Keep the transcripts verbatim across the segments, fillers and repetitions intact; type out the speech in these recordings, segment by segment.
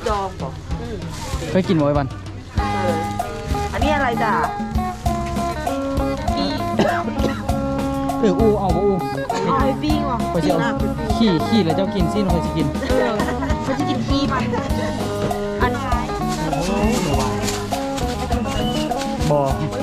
ดองบอกเคยกินบ่อยวันอันนี้อะไรจ้ะเอออูเอาบ่อูเอาไปปิ้งว่ะเคยจะเอาขี้ขี้แล้วเจ้ากินซิเคยจะกินเออเขาจะกินขี้มันอันนี้บ่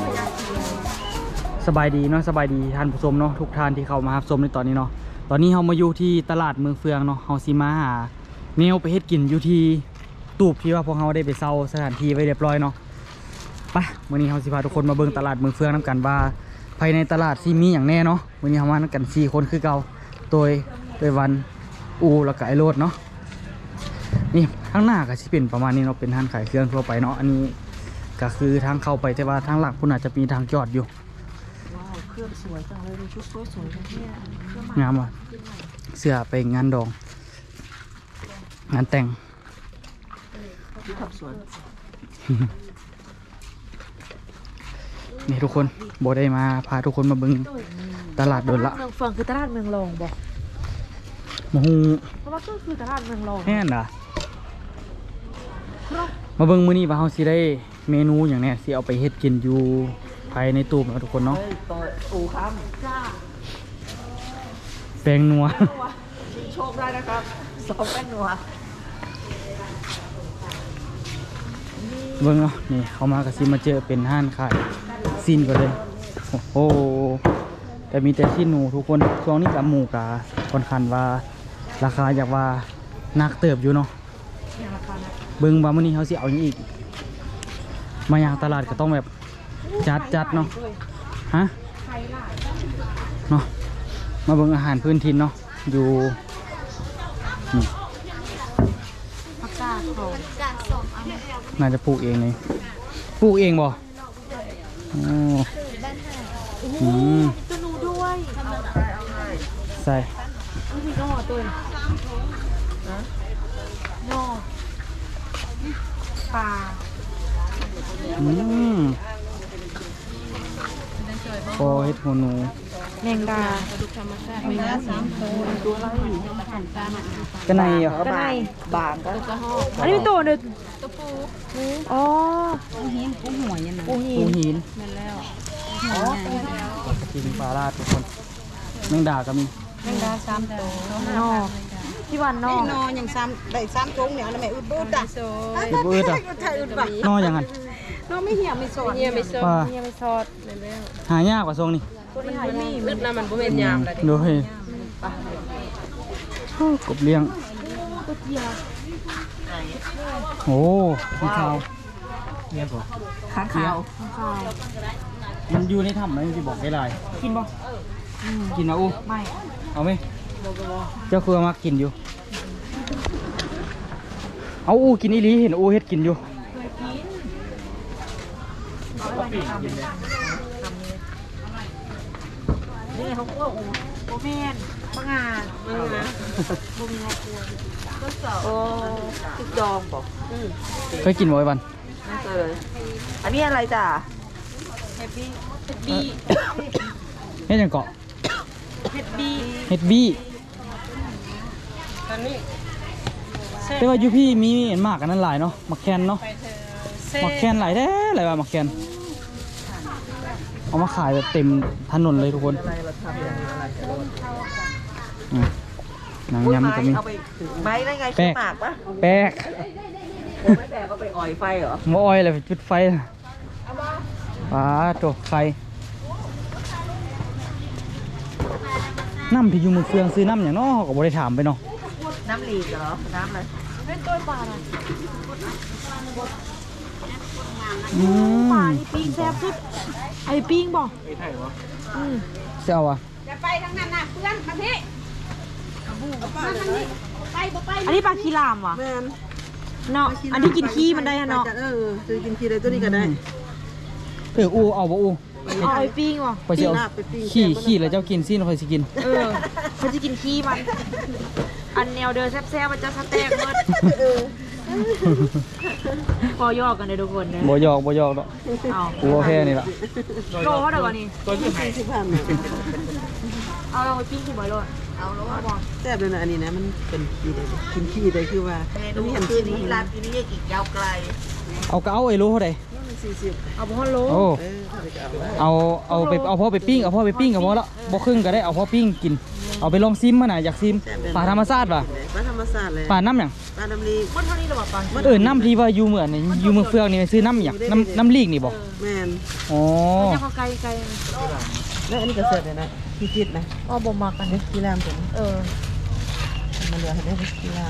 สบายดีเนาะสบายดีท่านผู้ชมเนาะทุกท่านที่เข้ามารับชมในตอนนี้เนาะตอนนี้เรามาอยู่ที่ตลาดเมืองเฟืองเนาะเราสิมาหาแนวไปเฮ็ดกินอยู่ที่ตูบที่ว่าพวกเราได้ไปเซาสถานที่ไว้เรียบร้อยเนาะไปวันนี้เราสิพาทุกคนมาเบิ่งตลาดเมืองเฟืองนำกันว่าภายในตลาดสิมีอย่างแน่เนาะวันนี้เรามากันสี่คนคือเก่าโดยโดยวันอูแล้วก็ไอโรดเนาะนี่ข้างหน้าก็สิเป็นประมาณนี้เนาะเป็นร้านขายเครื่องทั่วไปเนาะอันนี้ก็คือทางเข้าไปแต่ว่าทางหลักคุณอาจจะมีทางจอดอยู่เครื่องสวยจังเลยดูชุดสวยๆทั้งนี้งามว่ะเสื้อไปงานดองงานแต่งที่ขับสวนนี่ทุกคนโบได้มาพาทุกคนมาบึงตลาดโดนละเมืองเฟืองคือตลาดเมืองรองบอกมาฮูเพราะว่าก็คือตลาดเมืองรองแน่นอ่ะมาเบิ่งมื้อนี้ว่าเฮาสิได้เมนูอย่างแน่สิเอาไปเฮ็ดกินอยู่ภายในตู้นะทุกคนเนาะอูครับจ้าแป้งนัวชิงโชคได้นะครับสองแป้งนัวเบิ่งเนาะนี่เขามาก็สิมาเจอเป็นห้านขายซีนก่อนเลยโอ้โหแต่มีแต่ชิ้นหนูทุกคนช่วงนี้กับหมูกาค่อนข้างว่าราคาอยากว่านักเติบอยู่เนาะเบิ่งว่ามื้อนี้เฮาสิเอาอย่างอีกมาอย่างตลาดก็ต้องแบบจัดจัดเนาะฮะเนาะมาเบิ่งอาหารพื้นถิ่นเนาะอยู่นี่ผักกาดเขาน่าจะปลูกเองเลยปลูกเองบ่โอ้อืมตัวหนูด้วยใส่นี่ก็หัวตัวโน่ปลาอืมโอ้เฮ็ดหัวหนูแมงดาแมงดาสามตัวตัวอะไรกระไนเหรอกระไนบางก็อันนี้เป็นตัวหนึ่งตัวปูอ๋อปูหินปูหัวยังไงปูหินปูหินนั่นแล้วอ๋อกินปลาลาดทุกคนแมงดาก็มีแมงดาสามตัวนอที่วันนอนออย่างซ้ำได้ซ้ำตรงเนี่ยนะแม่อึดบึ้ดอ่ะอึดบึ้ดอ่ะนออย่างนั้นนอไม่เหี่ยวไม่สดเหี่ยวไม่สดเหี่ยวไม่สดแล้วหายากกว่าทรงนี่มันนี่อึดนะมันก็เป็นยามเลยดูให้กบเลี้ยงโอ้ข้างขาวเลี้ยงก่อนข้างขาวข้างขาวมันอยู่ในถ้ำไหมที่บอกได้ไรกินบ่กินนะอู้ไม่เอาไหมเจ้าคือมากินอยู่เอาอู้กินอีหลีเห็นอู้เฮ็ดกินอยู่นี่เขาก็อู้โบแมนมะงาเมะงาโบมีงาตัวก็สอบโอ้ติดดองบอกเคยกินบ่อยวันไม่เคยอันนี้อะไรจ้ะเฮ็ดบี้เฮ็ดบี้เฮ็ดยังเกาะเฮ็ดบี้เฮ็ดบี้แต่ว่ายูพี่มีเห็นมากกันนั่นหลายเนาะมักแคนเนาะมักแคนหลายแท้หลายว่ามักแคนเอามาขายแบบเต็มถนนเลยทุกคนหนังยำก็มีไม้ได้ไงชื่อหมากปะแป๊กไม่แป๊กก็ไปอ่อยไฟเหรอมาอ้อยอะไรจุดไฟปลาตัวไฟน้ำที่อยู่มือเฟืองซื้อน้ำอย่างน้อก็บริถามไปเนาะน้ำหลีกเหรอน้ำอะไรเป็นตัวปลาอะไรปลาที่ปิ้งแซ่บสุดไอ้ปิ้งบอกไอ้ไทยวะเจ้าอ่ะจะไปทางนั้นนะเพื่อนมาที่อันนี้ปลาคีรามวะเนาะอันนี้กินขี้มันได้เนาะเออจะกินขี้ได้ตัวนี้ก็ได้เอออูเอาบ่อูเอาไอ้ปิ้งวะไปเจ้าขี้ขี้แล้วเจ้ากินซิเราเคยสิกินเออเขาจะกินขี้มันอันแนวเดินแซ่บๆมันจะสเต็กหมดพอยอกกันเลยทุกคนเนี่ยบ่ยอกบ่ยอกเนาะกูโอเคนี่ละโลเท่าไหร่ก่อนนี่ตัวยี่สิบห้าเอาเราไปปิ้งที่บ่อยโลเเอาแล้วว่าแซ่บเลยนะอันนี้นะมันเป็นขี้เลยกินขี้เลยคือว่าเมนูคืนนี้ร้านที่นี่อีกยาวไกลเอาก็เอาไอ้รู้เท่าไหร่สี่สิบเอาพ่อโลโอ้เออเอาเอาเอาเอาไปเอาพ่อไปปิ้งเอาพ่อไปปิ้งกับพ่อละบ่ครึ่งก็ได้เอาพ่อปิ้งกินเอาไปลองซิมมาน่ะอยากซิมป่าธรรมชาติป่ะปลาธรรมชาติเลยป่าน้ำหยังปลาดำลีมันเท่านี้หรอปะเออน้ำที่ว่าอยู่เหมือนนี่อยู่เมืองเฟืองนี่ซื้อน้ำหยังน้ำน้ำลีกนี่บ่แมนอ๋อจะเขาไกลไกลแล้วอันนี้ก็เสร็จเลยนะพี่คิดนะอ๋อบ่มากันเด็กกีรามตัวนี้เออมันเหลือให้ได้กีราม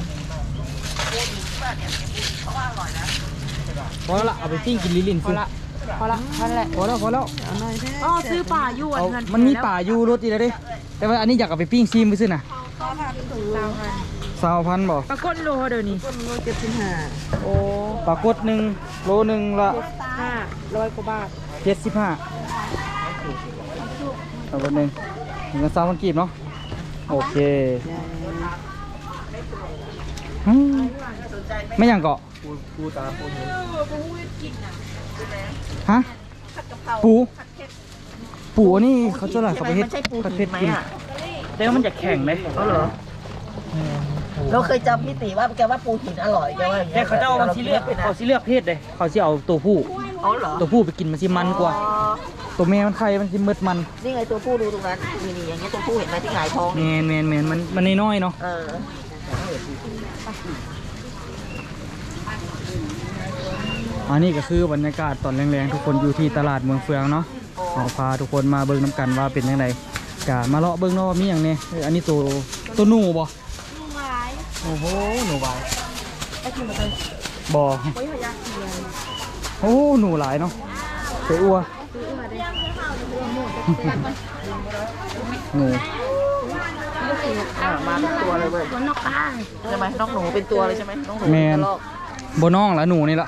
พอแล้วล่ะเอาไปปิ้งกินลิลินพอซื้อละพอละพอละพอแล้วพอแล้วเอาหน่อยแท้อ๋อซื้อป่าอยู่อัเอานนั้นมันมีป่าอยู่รถอีกแล้วเด้แต่ว่าอันนี้อยากเอาไปปิ้งซิมไปซื้อน่ะสาวพันสาวพันบ่ปรากฏโลเดี๋ยวนี้ต้นโลเจ็ดสิบห้าโอ้ปลากดหนึ่งโลหนึ่งละห้าร้อยกว่าบาทเจ็ดสิบห้าปลากดหนึ่งเงินสามพันกีบเนาะโอเคอืมไม่อย่างเกาะปูตาปูหินฮะปู ปูอันนี่เขาจะอะไรเขาไปเฮ็ดผัดเผ็ดกินแต่ว่ามันจะแข็งเลยเขาเหรอเราเคยจำพี่ติว่าแกว่าปูหินอร่อยแกว่าอย่างแต่เงี้ยเขาจะเอามันสิเลือกเขาสิเลือกเพศเลยเขาสิเอาตัวผู้เขาเหรอตัวผู้ไปกินมันสิมันกว่า ตัวแม่มันไข่มันสิมืดมันนี่ไงตัวผู้ดูตรงนั้นนี่นี่อย่างเงี้ยตัวผู้เห็นไหมที่หงายท้องแมนแมนแมนมันมันน้อยๆเนาะเอออันนี้ก็คือบรรยากาศตอนแรงๆทุกคนอยู่ที่ตลาดเมืองเฟืองเนาะเอาพาทุกคนมาเบิ่งน้ำกันว่าเป็นยังไงกะมาเลาะเบิ่งเนาะว่ามีอย่างเนี้ยอันนี้ตัวตัวหนูบ่โอ้โหหนูบายบ่โอ้หนูหลายเนาะเสืออัวหนูอ่ะมาเป็นตัวเลยเว้ยนกป้าใช่ไหมนกหนูเป็นตัวเลยใช่ไหมนกหนูแมนกระรอกบ่น้องละหนูนี่ละ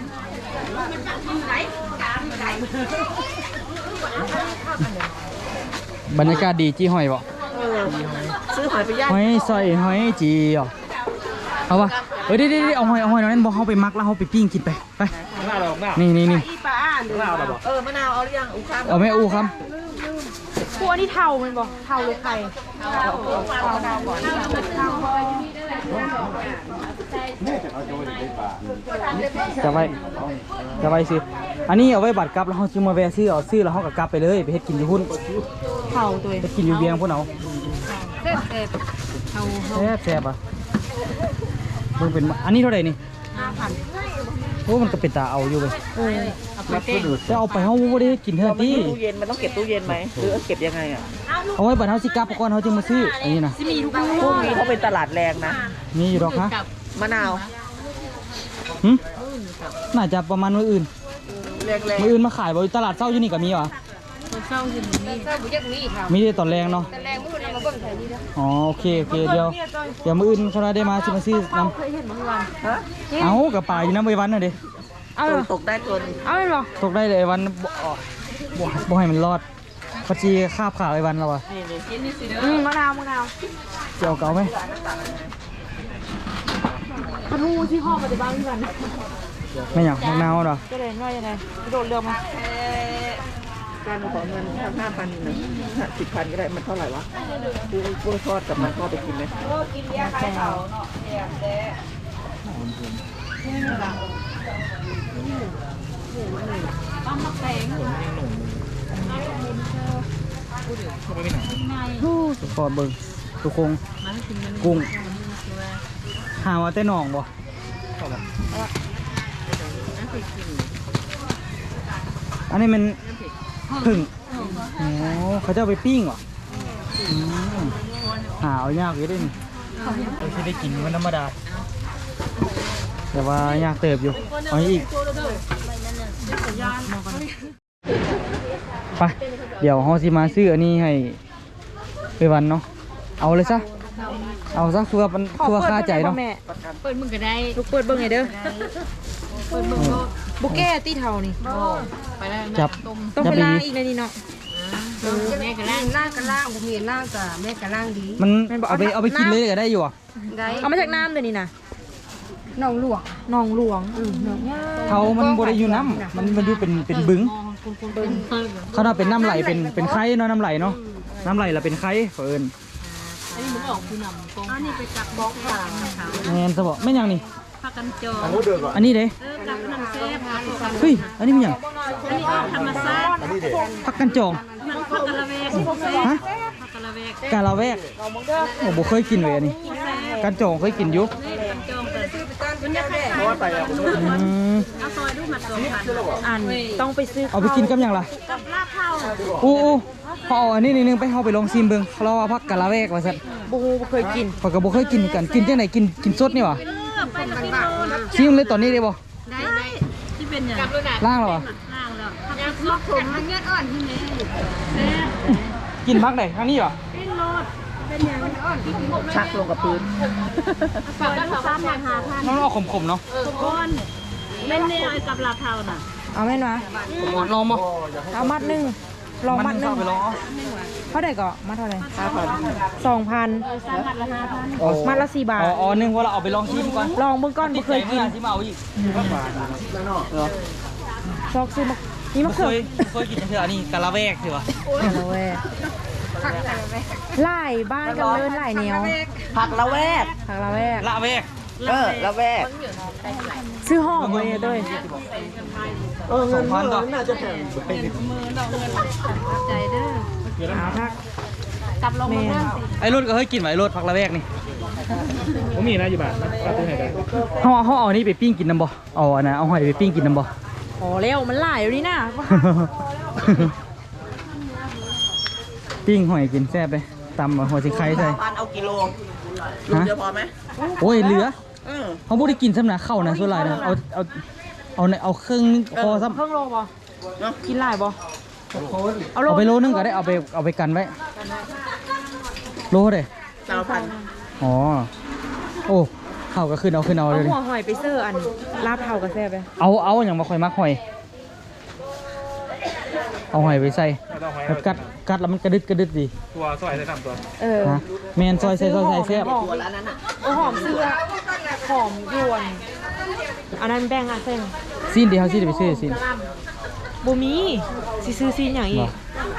บรรยากาศดีจี้หอยบ่เออซื้อหอยไปย่างหอยใส่หอยจีอ่ะเอาวะเฮ้ยเดี๋ยวๆเอาหอยเอาหอยนั้นบอกเขาไปมักแล้วเขาไปปิ้งกินไปไปหน้าเราหน้านี่นี่นี่อีปลาอ่านหน้าเราบอกเออมะนาวเอาหรือยังอุ้ข้ามเอาแม่อูครับพวกนี่เทามันบอกเทาหรือไข่เทาเทาก่อนจะไว้จะไว้ซื้ออันนี้เอาไว้บัตรกลับแล้วเขาซื้อมาแวะซื้อเอาซื้อแล้วเขาก็กลับไปเลยไปเฮ็ดกินอยู่พุ่นเทาตัวไปกินอยู่เบียงพุ่นเอาเซ็ตเซ็ตเทาแซ่บแซ่บอ่ะมึงเป็นอันนี้เท่าไหร่นี่ห้าพันโอ้มันก็เป็นตาเอาอยู่เลยเออเอาไปเต้นแต่เอาไปเขาไม่ได้กินเท่ามันที่มีตู้เย็นมันต้องเก็บตู้เย็นไหมหรือเก็บยังไงอ่ะเอาไว้บัตรเขาสิกลับก่อนเขาจึงมาซื้ออันนี้นะที่มีทุกพวกนี้เขาเป็นตลาดแรงนะมีอยู่ดอกฮะมะนาวหึน่าจะประมาณมื้ออื่นแรงแรงมื้ออื่นมาขายบ่อยู่ตลาดเช้าอยู่นี่ก็มีวะเศร้าสิมีเศร้าบุญยักมีค่ะมีแต่ตอนแรงเนาะแต่แรงมืดมาเบิ่งแถวนี้นะอ๋อโอเคโอเคเดี๋ยวเดี๋ยวมื้ออื่นเขาได้มาสิมาซื้อน้เคยเห็นเมื่อวานฮะำเอากับป่าอยู่น้ำไว้วันน่ะดิเอาตกได้ตัวนึงเอาเลยหรอตกได้เลยไอ้วันบ่บ่บ่ให้มันรอดพอจีคาบขาไอ้วันแล้ววะนี่นี่อืมมะนาวมะนาวเจียวเก่าไหมขนูที่ห้องปฏิบัติกันไม่อยากมะนาวเหรอก็เลยว่ายังไงโดดเรือมาการขอเงินทั้งห้าพันหนึ่งสิบพันก็ได้มันเท่าไหร่วะกูกูทอดกับมันทอดไปกินไหมกินยาคลายเนาะปั้มมะแตงฮู้สุดพอเบิ่งทุกคงกุ้งหาว่าแต่หนองบ่อันนี้มันผึ่งโอ้เขาจะเอาไปปิ้งเหรออืมหาเอายากอยู่เด้วยนี่เราจะได้กินมันธรรมดาแต่ว่ายากเติบอยู่เอาอีกไปเดี๋ยวเราสิมาซื้ออันนี้ให้ไปวันเนาะเอาเลยซะเอาซะคือว่ามันคือว่าค่าใจเนาะเปิดมึงก็ได้ลูกเปิดเบิ่งไงเด้อเปิดเบิ่งบุกแก้ตีเท่านี่ไปแล้วจับต้องจัไปบล้างดีอีกเลยนี่เนาะแม่ก็ล้างล่างกันล่างผมเห็นล่างกับแม่กับล่างดีมันเอาไปเอาไปกินเลยก็ได้อยู่อ่ะได้เอามาจากน้ำเลยนี่นะน้องหลวงหนองหลวงอือหนองเขามันบริอยู่น้ำมันมันอยู่เป็นเป็นบึงเขาน่าเป็นน้ำไหลเป็นเป็นไข่เนาะน้ำไหลเนาะน้ำไหลละเป็นไข่เฟิร์นอันนี้โบอันนี้ไปกับบล็อกผ่านนะคะแมนสบแม่นยังนี่ผักกันจองอันนี้เด้เออกับน้ำแซ่บผักกันเฮ้ยอันนี้มันหยังอันนี้ธรรมชาติผักกันจองมันผักกะละเวกแซ่บฮะผักกะละเวกกาลาแวกโอ้บ่เคยกินเลยอันนี้แซ่บกันจองเคยกินอยู่นี่กันจองเปิดมันจะคล้ายอืมๆเอาซอยดูหมัดสองพันอันต้องไปซื้อเอาไปกินกับหยังล่ะกับลาบเผาอู้อู้พอเอาอันนี้นิดนึงไปเฮาไปลองซิมเบิ่งเขาเล่าว่าผักกาลาแวกว่าซั่นบูเคยกินข้อยก็บ่เคยกินกันกินจังไดกินกินสดนี่หว่าเออไปละกิโลละซิมเลยตอนนี้ได้บ่ได้ได้ที่เป็นอย่างล่างแล้ววะล่างแล้วผักกะลอกผมมันเงี้ยอ่อนที่นี่แซ่บกินพักไหนทางนี้เหรอปิ้งโลดเป็นอย่างอ่อนที่กินหมดชักลงกับพื้นฝากกันสามอย่างหาพันมันออกขมๆเนาะทุกคนแม่นแนวไอ้กับลาเทาน่ะเอาแม่นวะลองบ่เอามัดหนึ่งลองมัดหนึ่งเข้าไปลองเอาเท่าไหร่ก็มัดเท่าไหร่ห้าพันสองพันสามพันละห้าพันมัดละสี่บาทอ๋ออ๋อนึงว่าเราเอาไปลองชิมก่อนลองเบื้องก้อนบ่เคยกินที่มาเอาอีกชอกซื้อมานี่มะบ่เคเขือยบ่เคยกินจังเทื่ออันนี้กะละแวกสิวะละแวกไล่บ้านกันเลินไล่แนวผักละแวกผักละแวกละแวกเออละแวกซื้อห่อมาเลยด้วยเออเงินเมื่อน่าจะแพงใจเด้อเอาพักกับลงมาบ้างสิไอ้รถก็เคยกินไว้ไอ้รถผักละแวกนี่ผมมีนะอยู่บ้านปลาตัวไหนกันเฮาเฮาเอานี่ไปปิ้งกินนำบ่เอาอันน่ะเอาหอยไปปิ้งกินนำบ่โอ้เร็วมันไล่อยู่นี่นะปิ้งหอยกินแซ่บเลยตำหัวสิไข่ใส่พันเอากิโลโลเดียวพอไหมโอ้ยเหลือเออเขาบ่ได้กินซ้ำนะเข้านะส่วนหลายนะเอาเอาเอาในเอาครึ่งพอซ้ำเครื่องโลบ่กินไล่บ่เอาโลเอาไปโลนึงก็ได้เอาไปเอาไปกันไว้โลเด้สามพันอ๋อโอ้เข้าก็ขึ้นเอาขึ้นเอาเอาเลยดิหัวหอยไปเสิร์ฟอันลาบเผากระแซ่บไปเอาเอาอย่างมาค่อยมักหอย เอาหอยไปใส่ไม่ต้องหอยแบบกัดกัดแล้วมันกระดึดกระดึดดีตัวซอยได้ทำตัวเออฮะแมนซอยใส่ซอยใส่แซ่บตัวแล้วนั้นอ่ะโอ้หอมเสื้อหอมยวนอันนั้นแบ่งอ่ะเส้นซีนเดียวซีนเดี๋ยวไปซื้อซีนบูมีสิซื้อซีนอย่างอีก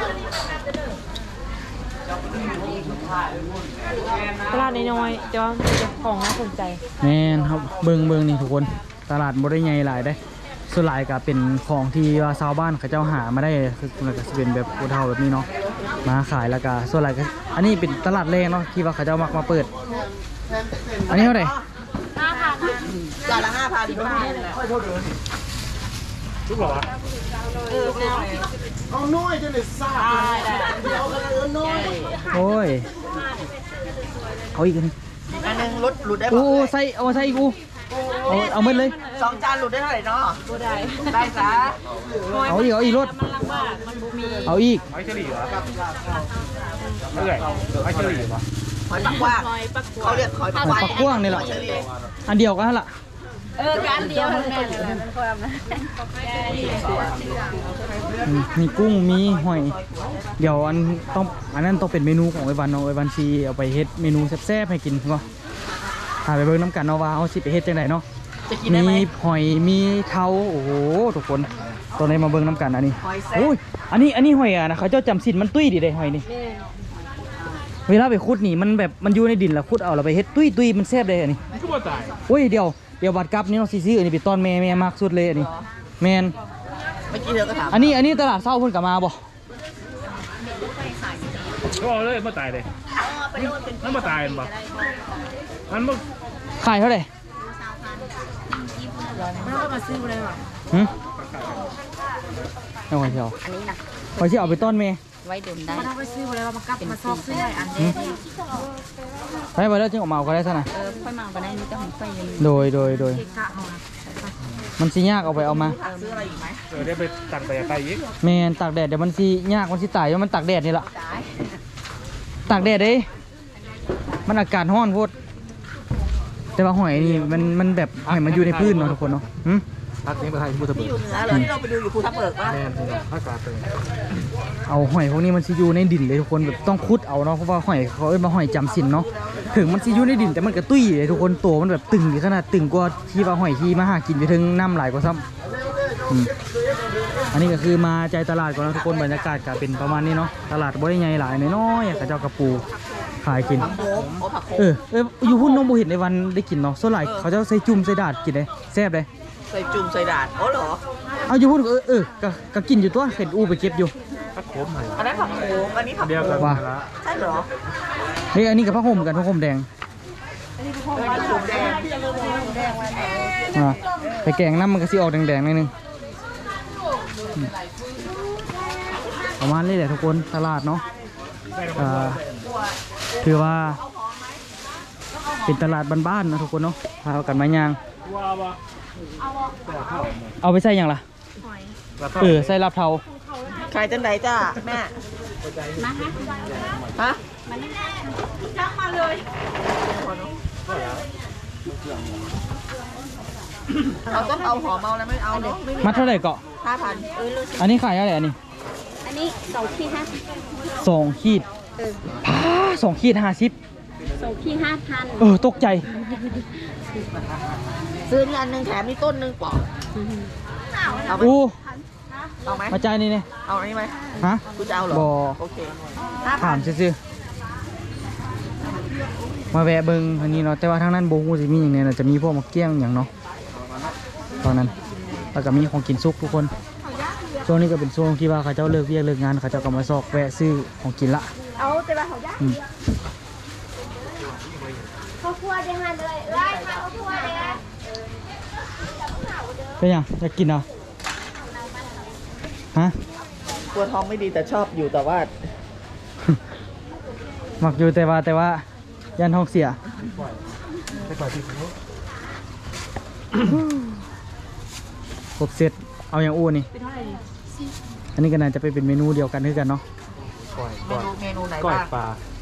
ตลาดน้อยๆแต่ว่ามีแต่ของน่าสนใจแมนครับเบิงเบิงนี่ทุกคนตลาดบ่ได้ใหญ่หลายได้ส่วนหลายก็เป็นของที่ว่าชาวบ้านเขาเจ้าหามาได้คือมันก็สิเป็นแบบผู้เฒ่าแบบนี้เนาะมาขายแล้วก็ส่วนหลายก็อันนี้เป็นตลาดแรกเนาะที่ว่าเขาเจ้ามักมาเปิด อันนี้เท่าไหร่จานละห้าพันทุกหรอวะเอาน้อยจะได้ซ่าเดี๋ยวกันเลยน้อยโอ้ยเอาอีกอันนึงอันนึงลดหลุดได้โอ้ป่ะใส่เอามาใส่อีกกูเอาเอาหมดเลยสองจานหลุดได้เท่าไหร่เนาะได้ได้จ้าเอาอีกเอาอีกรถมันลำบากมันบ่มีเอาอีกไอ้เฉลี่ยวะเท่าไหร่ไอ้เฉลี่ยวะหอยปักกว้างคอยปักหัวเขาเรียกหอยปักหอยปักกว้างนี่แหละเฉลี่ยอันเดียวกันละเออการเดียวมันแม่นเลยมันความนะอืมมีกุ้งมีหอย เดี๋ยวอันต้องอันนั้นต้องเป็นเมนูของไอ้วันเนาะไอ้วันซีเอาไปเฮ็ดเมนูแซ่บๆให้กินเนาะพาไปเบิ่งน้ำกันเนาะว่าเอาสิไปเฮ็ดจังไดเนาะจะกินได้มีไหมหอยมีเท้าโอ้โหทุกคนตอนนี้มาเบิ่งน้ำกันอันนี้หอยแซ่บโอ้ยอันนี้อันนี้หอยอ่ะนะเขาเจ้าจำสินมันตุ้ยดีเลยหอยนี่เวลาไปขุดนี่มันแบบมันอยู่ในดินแล้วขุดเอาเราไปเฮ็ดตุ้ยตุ้ยมันแซ่บเลยอันนี้ทุกคนตายโอ้ยเดี๋ยวเดี๋ยวบัดกลับนี่เนาะซีซีอันนี้ไปต้อนแม่แม่มากสุดเลยอันนี้แมนเมื่อกี้เธอก็ถามอันนี้อันนี้ตลาดเศร้าเพิ่นกลับมาบ่ก็เอาเลยมาตายเลยนั่นมาตายมั้งมันมาขายเท่าไหร่มันก็มาซื้อเลยว่ะหึเอาหอยเชียวอันนี้นะหอยเชียวเอาไปต้อนแม่ไว้ดื่มได้มันเอาไปซื้อเลยว่ามันกลับมาซอกซื้อได้อันเดียวไปไปแล้วจึงออกมาเอาก็ได้ซะนะเออค่อยมาก็ได้มีแต่ของไฟยังโดยโดยโดยเกะกะเอานะมันสิยากเอาไปเอามาซื้ออะไรอีกไหมเออได้ไปตัดไปไปอีกแม่นตากแดดเดี๋ยวมันสิยากมันสิตายเพราะมันตากแดดนี่ล่ะตากแดดเด้มันอากาศร้อนโพดแต่ว่าหอยนี่มันมันแบบหอยมันอยู่ในพื้นเนาะทุกคนเนาะหึพักนี้มาไทยพูดตะเบิที่กอยู่เหนือเลยที่เราไปดูอยู่ภูทับเบิกว่าแม่อากาศเป็นเอาหอยพวกนี้มันสิอยู่ในดินเลยทุกคนแบบต้องขุดเอาเนาะเพราะว่าหอยเขาเอ้ยมาหอยจำศีลเนาะถึงมันสิอยู่ในดินแต่มันก็ตุ้ยเลยทุกคนตัวมันแบบตึงขนาดตึงกว่าที่ว่าหอยที่มาหากินอยู่ถึงน้ำไหลกว่าซ้ำอืมอันนี้ก็คือมาใจตลาดก่อนนะทุกคนบรรยากาศก็เป็นประมาณนี้เนาะตลาดบ่ได้ใหญ่หลายน้อยๆเขาเจ้ากระปูขขายกินผักโขมโอ้ผักโขมเออเอออยู่พุ่นน้องบ่เห็นในวันได้กินเนาะส่วนหลายเขาจะใส่จุ่มใส่ดาดกินเลยแซ่บเลยใส่จุ่มใส่ดาดโอ้เหรอเอาอยู่พุ่นเออเออก็ก็กินอยู่ตัวเห็นอู้ไปเก็บอยู่ถ้าโคมใหม่อันนั้นผักโขมอันนี้ผักเดียวโขกันมว่าละใช่เหรอเฮ้ยอันนี้กับผ้าห่มกันผ้าห่มแดงผักโขมแดงอ่าไปแกงน้ำมันก็สิออกแดงๆหนิดนึงอืมประมาณนี้แหละทุกคนตลาดเนาะอ่าถือว่า เป็นตลาดบ้านๆนะทุกคนเนาะพากันมายางว้าวะเอาไปใส่หยังล่ะเออใส่ลาบเทาขายจังไดจ้าแม่มาฮะฮะจักมาเลยเราต้องเอาหอมเอาแล้วไม่เอาเนาะไม่มีมัดเท่าไหร่เกาะห้าพันเออรู้สึกอันนี้ขายอะไรอันนี้อันนี้สองที่ห้าสองขีดเออพาสองขีดห้าสิบสองที่ห้าพันเออตกใจซื้อนี่อันหนึงแถมนี่ต้นหนึงปอกเอาไหมอู้เอาไหมมาจ่ายนี่เนี่ยเอาอันนี้ไหมฮะกูจะเอาเหรอบ่โอเคห้าถาพัมนซื่อๆมาแวะเบิ่งอันนี้เนาะแต่ว่าทางนั้นโบฮูสิมีอย่างเนี้ยจะมีพวกมะเกี้ยงอย่างเนาะตอนนั้นแล้วก็มีของกินซุกทุกคนช่วงนี้ก็เป็นช่วงที่ว่าเขาเจ้าเลิกเวียกเลิกงานเขาเจ้าก็มาซอกแวะซื้อของกินละเอาแต่ว่าเขายากอืมเขาคั่วได้หันเลยไล่ค่ะเขาคั่วเลยนะเป็นยังอยากกินเหรอฮะกลัวท้องไม่ดีแต่ชอบอยู่แต่ว่าหมักอยู่แต่ว่าแต่ว่ายันท้องเสียไปก่อนที่ผมครบเสร็จเอาอย่างอู้นี่อันนี้ก็น่าจะไปเป็นเมนูเดียวกันคือกันเนาะก่อยเมก่อยนูเมนูไหนก่อยบ้างปลา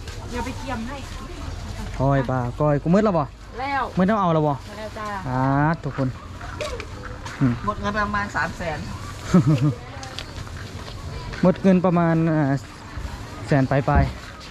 ก้อยปลาก้อยกูมืดแล้วบ่แล้วมืดต้องเอาแล้วบ่แล้วจ้าอ่าทุกคนอืมหมดเงินประมาณสามแสนหมดเงินประมาณอ่าแสนปลายปลาย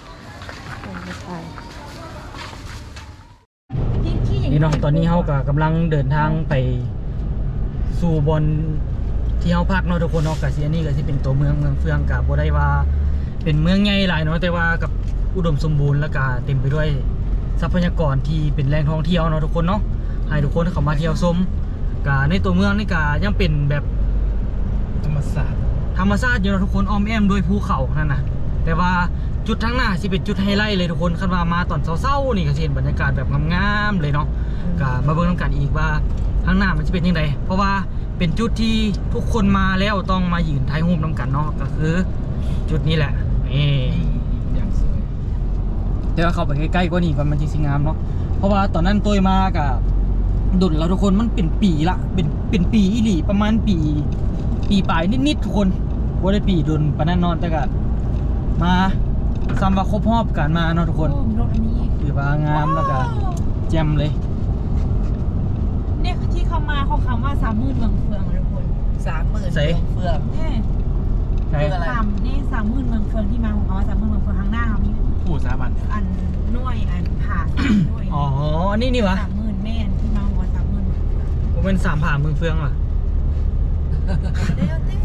นี่เนาะตอนนี้เขาก็กำลังเดินทางไปสู่บนที่เขาพักเนาะทุกคนเนาะกะสิอันนี้ก็สิเป็นตัวเมืองเมืองเฟืองกับบ่ได้ว่าเป็นเมืองใหญ่หลายเนาะแต่ว่ากับอุดมสมบูรณ์และก็เต็มไปด้วยทรัพยากรที่เป็นแหล่งท่องเที่ยวเนาะทุกคนเนาะให้ทุกคนเข้ามาเที่ยวชมกะในตัวเมืองนี่กะยังเป็นแบบธรรมศาสตร์ธรรมชาติอยู่เนาะทุกคนอ้อมแอมด้วยภูเขานั่นนะแต่ว่าจุดทั้งหน้าสิเป็นจุดไฮไลท์เลยทุกคนคันว่ามาตอนเช้าๆนี่ก็สิเห็นบรรยากาศแบบงามๆเลยเนาะก็มาเบิ่งน้ำกันอีกว่าข้างหน้ามันจะเป็นยังไงเพราะว่าเป็นจุดที่ทุกคนมาแล้วต้องมายืนถ่ายรูปน้ำกันเนาะก็คือจุดนี้แหละนี่อย่างสวยเดี๋ยวเข้าไปใกล้ๆกว่านี้ก่อนมันจะสิงามเนาะเพราะว่าตอนนั้นตัวมากับดุลแล้วทุกคนมันเป็นปีละเป็นเป็นปีอีหลีประมาณปี ปีปลายนิดๆทุกคนว่าได้ปีดุลปานนั้นนอนแต่ก็มาซ้ำว่าครบรอบกันมาเนาะทุกคนโอ้รถอันนี้ถือว่างามแล้วก็แจ่มเลยเนี่ยที่เขามาเขาคำว่าสามหมื่นเมืองเฟืองทุกคนสามหมื่นใส่เฟืองเนี่ยใช่คืออะไรสามนี่สามหมื่นเมืองเฟืองที่มาของเขาว่าสามหมื่นเมืองเฟืองข้างหน้าเขามีผู้สามัญอันหน่วยอันผ่าสามหน่วยอ๋ออันนี้นี่วะสามหมื่นแม่นที่มาของว่าสามหมื่นเมืองเฟืองผมเป็นสามผ่าเมืองเฟืองว่ะเดี๋ยวเต้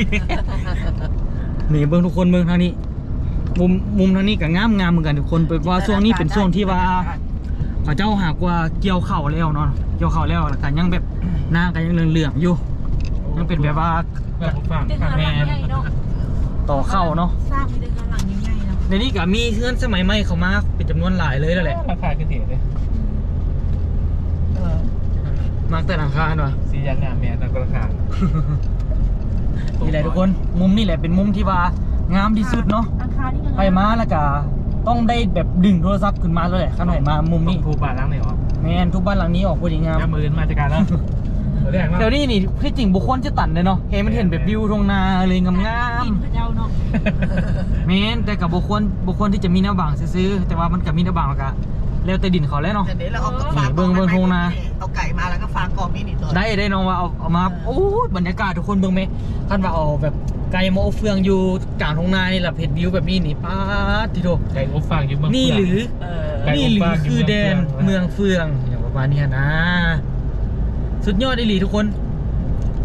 นี่เบิ่งทุกคนเบิ่งทางนี้ มุมมุมทางนี้ก็งามงามเหมือนกันทุกคนเป็นว่าช่วงนี้เป็นช่วงที่ว่าเขาเจ้าหากว่าเกี่ยวเข่าวแล้วเนาะเกี่ยวเข่าวแล้วแล้วก็ยังแบบหน้าก็ยังเหลืองๆอยู่ยังเป็นแบบว่าแบบผมฟังเดือนหลังใหญ่เนาะต่อเข้าเนาะสร้างมีเดือนหลังใหญ่ๆเนาะในนี้ก็มีเพื่อนสมัยใหม่เข้ามาเป็นจำนวนหลายเลยแล้วแหละราคาขึ้นเถียเลยเออมากแต่หลังคาเนาะสียางงามแม่นั่นก็ราคานี่แหละทุกคนมุมนี่แหละเป็นมุมที่ว่างามที่สุดเนาะราคานี่ก็ไปมาแล้วก็ต้องได้แบบดึงโทรศัพท์ขึ้นมาเลยแหละข้างไหนมามุมนี้ผู้บ้านล้างไหนออกแมนทุกบ้านหลังนี้ออกพอดีงามน้ำมือมาจากการแล้วแรกแถวนี้นี่ที่จริงบุคคลจะตัดเลยเนาะเห็นมันเห็นแบบวิวทงนาเลยงามกินพระเจ้าเนาะๆแมนแต่กับบุคคลบุคคลที่จะมีหน้าบางซื้อๆแต่ว่ามันกับมีหน้าบางก็แล้วแต่ดินเขาแล้วเนาะเดี๋ยวนี้เราเอาฟางเบิ่งเบิ่งโครงนาเอาไก่มาแล้วก็ฟางกองนี่นี่ตัวได้ได้น้องว่าเอาเอามาโอ้ยบรรยากาศทุกคนเบิ่งไหมท่านว่าเอาแบบไก่มาเอาเฟืองอยู่กลางทงนานี่แหละเห็นวิวแบบนี้นี่ป้าดที่โถไก่อบฟางอยู่เมืองนี่หรือเออไก่นี่อบหรืฟาองอยู่คือเมืองแดนเฟืองเมืองเฟืองอย่างประมาณนี้นะ สุดยอดอีหลีทุกคน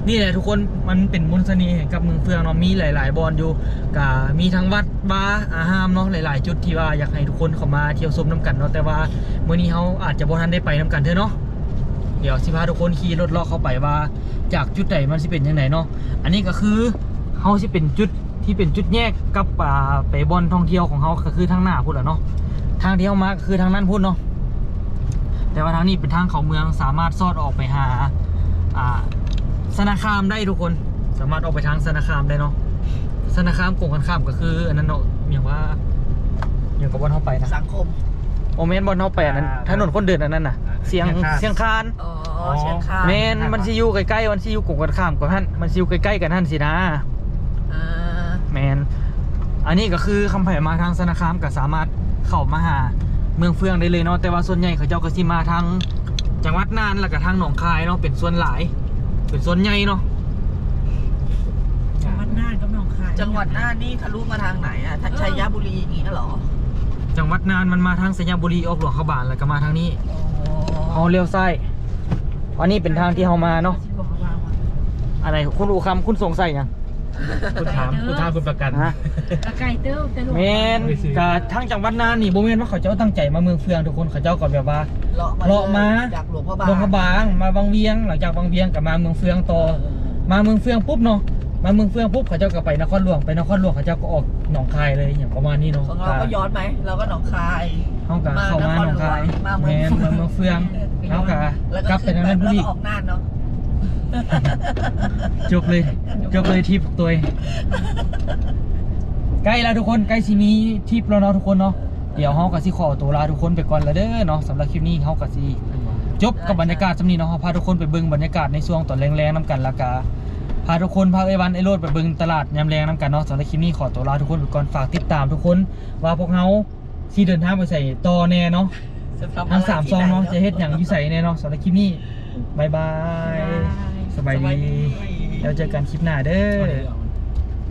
นี่แหละทุกคนมันเป็นมนต์เสน่ห์กับเมืองเฟืองเนาะมีหลายๆบอนอยู่กะมีทั้งวัดบาร์อาหารเนาะหลายๆจุดที่ว่าอยากให้ทุกคนเข้ามาเที่ยวชมน้ำกันเนาะแต่ว่ามื้อนี้เขาอาจจะบ่ทันได้ไปน้ำกันเถอะเนาะเดี๋ยวสิพาทุกคนขี่รถเลาะเข้าไปว่าจากจุดไหนมันสิเป็นยังไงเนาะอันนี้ก็คือเขาสิเป็นจุดที่เป็นจุดแยกกับอ่าไปบอนท่องเที่ยวของเขาก็คือทางหน้าพุ่นแหละเนาะทางที่เขามาก็คือทางนั้นพุ่นเนาะแต่ว่าทางนี้เป็นทางเขาเมืองสามารถซอดออกไปหาอ่าสนาคามได้ทุกคนสามารถออกไปทางสนาคามได้เนาะสนาคามกงกันข้ามก็คืออันนั้นเนาะอย่างว่าอย่างกับบอลเข้าไปนะสังคมโอเมนบอลเข้าไปอันนั้นถนนคนเดินอันนั้นน่ะเสียงเสียงคานอ๋อเชียงคานเมนมันซิอยู่ใกล้ๆมันซิอยู่กงกันข้ามกับท่านมันซิอยู่ใกล้ๆกันท่านสินะอ่าแมนอันนี้ก็คือคำแผ่มาทางสนาคามก็สามารถเข้ามาหาเมืองเฟืองได้เลยเนาะแต่ว่าส่วนใหญ่เขาเจ้าก็สิมาทางจังหวัดน่านแล้วก็ทางหนองคายเนาะเป็นส่วนหลายเป็นส่วนใหญ่เนาะจังหวัดน่านกับหนองคายจังหวัดน่านนี่ทะลุมาทางไหนอ่ะทัชัยบุรีอย่างงี้เหรอจังหวัดน่านมันมาทางสัญญาบุรีออกหลวงเข้าบานแล้วก็มาทางนี้เขาเลี้ยวซ้ายอันนี้เป็นทางที่เขามาเนาะอะไรคุณอูคำคุณสงสัยยังคุณถามคุณถามคุณประกันฮะกระไก่เต้าแต่ลูกเมนกับทางจังหวัดน่านนี่โบเมนว่าเขาเจ้าตั้งใจมาเมืองเฟืองทุกคนเขาเจ้าก็แบบว่าเลาะมาเลาะมาจากหลวงพระบางลงกระบางมาบางเวียงหลังจากบางเวียงกับมาเมืองเฟืองต่อมาเมืองเฟืองปุ๊บเนาะมาเมืองเฟืองปุ๊บเขาเจ้าก็ไปนครหลวงไปนครหลวงเขาเจ้าก็ออกหนองคายเลยอย่างประมาณนี้เนาะของเราก็ย้อนไหมเราก็หนองคายเขาก็เข้ามาหนองคายมาแมเมืองนมาเมืองเฟืองเขาก็แล้วกลับไปทางนั้นแล้วบุรีก็ออกน่านเนาะจบเลยจบเลยทริปตัวเองใกล้แล้วทุกคนใกล้สิมีทริปแล้วเนาะทุกคนเนาะเดี๋ยวเฮาก็สิขอตัวลาทุกคนไปก่อนแล้วเด้อเนาะสำหรับคลิปนี้เฮาก็สิจบกับบรรยากาศสำนี้เนาะเฮาพาทุกคนไปเบิ่งบรรยากาศในช่วงตอนแรงๆน้ำกันแล้วก็พาทุกคนพาไอ้วันไอ้โรดไปเบิ่งตลาดยามแรงน้ำกันเนาะสำหรับคลิปนี้ขอตัวลาทุกคนไปก่อนฝากติดตามทุกคนว่าพวกเฮาสิเดินทางไปใส่ต่อแน่เนาะจะทำทั้งอะไรสามซองเนาะจะเฮ็ดหยังอยู่ใส่แน่เนาะสำหรับคลิปนี้บ๊ายบายสบายดีแล้วเจอกันคลิปหน้าเด้อ